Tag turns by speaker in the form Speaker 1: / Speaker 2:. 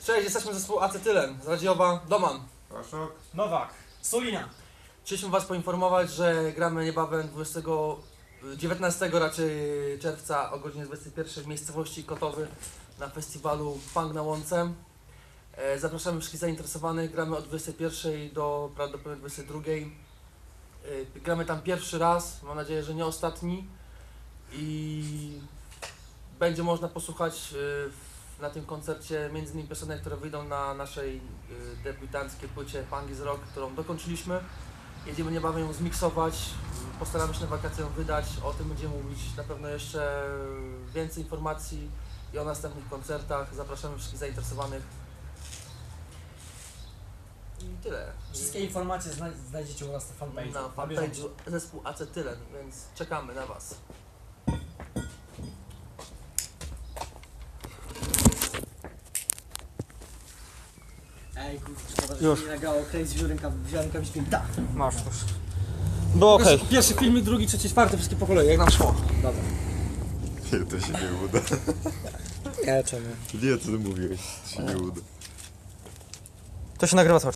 Speaker 1: Cześć, jesteśmy zespół Acetylen z Radziowa, Doman.
Speaker 2: Paszok.
Speaker 3: Nowak. Sulina.
Speaker 1: Chcieliśmy was poinformować, że gramy niebawem 19 raczej czerwca o godzinie 21 w miejscowości Kotowy na festiwalu Punk na Łące. Zapraszamy wszystkich zainteresowanych, gramy od 21 do prawdopodobnie 22. Gramy tam pierwszy raz, mam nadzieję, że nie ostatni i będzie można posłuchać na tym koncercie m.in. piosenek, które wyjdą na naszej debiutanckiej płycie Punk is Rock, którą dokończyliśmy. Jedziemy niebawem ją zmiksować, postaramy się na wakacje ją wydać, o tym będziemy mówić na pewno jeszcze więcej informacji i o następnych koncertach. Zapraszamy wszystkich zainteresowanych. I tyle.
Speaker 3: Wszystkie informacje znajdziecie u nas na fanpage'u.
Speaker 1: Na fanpage'u zespół Acetylen, więc czekamy na was.
Speaker 3: Ej, kurczę, szkoda, że
Speaker 4: Już.
Speaker 3: się nie nagrało Crazy wziąłem rękawiczkę i tak.
Speaker 4: Masz już. Było okej.
Speaker 1: Pierwszy filmik, drugi, trzeci, czwarty, wszystkie po kolei, jak nam szło.
Speaker 3: Dobra.
Speaker 2: Nie, to się nie uda.
Speaker 3: Nie, czemu?
Speaker 2: Nie, co ty mówiłeś? To się nie uda.
Speaker 4: To się nagrywa cały czas.